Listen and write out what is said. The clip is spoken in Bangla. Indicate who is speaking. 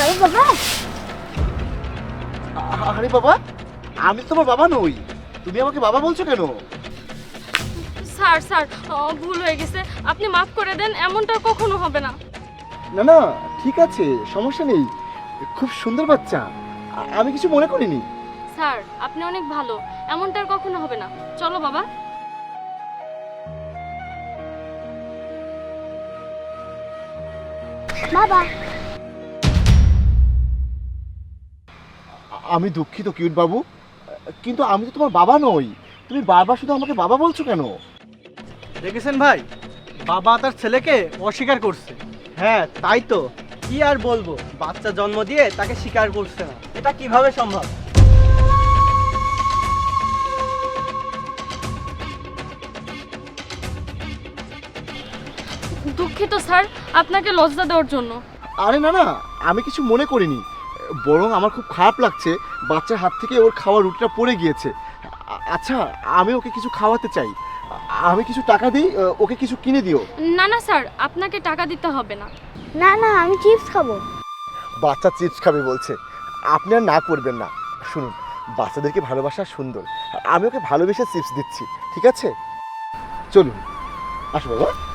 Speaker 1: যাবো বাবা?
Speaker 2: আরে বাবা, আমি তো তোমার বাবা নই, তুমি আমাকে বাবা বলছো কেন?
Speaker 3: স্যার স্যার ভুল হয়ে গেছে, আপনি মাফ করে দেন, এমনটা কখনো হবে না।
Speaker 2: না না, ঠিক আছে, সমস্যা নেই, খুব সুন্দর বাচ্চা, আমি কিছু মনে করিনি।
Speaker 3: স্যার আপনি অনেক ভালো, এমনটা আর কখনো হবে না। চলো বাবা।
Speaker 1: বাবা,
Speaker 2: আমি দুঃখিত কিউট বাবু, কিন্তু আমি তো তোমার বাবা নই, তুমি বারবার শুধু আমাকে বাবা বলছো কেন?
Speaker 4: দেখেছেন ভাই, বাবা তার ছেলেকে অস্বীকার করছে। হ্যাঁ তাই তো, কি আর বলবো, বাচ্চা জন্ম দিয়ে তাকে স্বীকার করছে না, এটা কিভাবে সম্ভব?
Speaker 3: দুঃখিত স্যার, আপনাকে লজ্জা দেওয়ার জন্য।
Speaker 2: আরে না না, আমি কিছু মনে করিনি, বরং আমার খুব খারাপ লাগছে, বাচ্চার হাত থেকে ওর খাওয়ার রুটিটা পড়ে গিয়েছে। আচ্ছা, আমি ওকে কিছু খাওয়াতে চাই, আমি কিছু টাকা দিই, ওকে কিছু কিনে দিও।
Speaker 3: না না স্যার, আপনাকে টাকা দিতে হবে না।
Speaker 1: না না, আমি চিপস খাবো।
Speaker 2: বাচ্চা চিপস খাবে বলছে, আপনি আর না করবেন না। শুনুন, বাচ্চাদেরকে ভালোবাসা সুন্দর, আমি ওকে ভালোবেসে চিপস দিচ্ছি, ঠিক আছে? চলুন, আসো বাবা।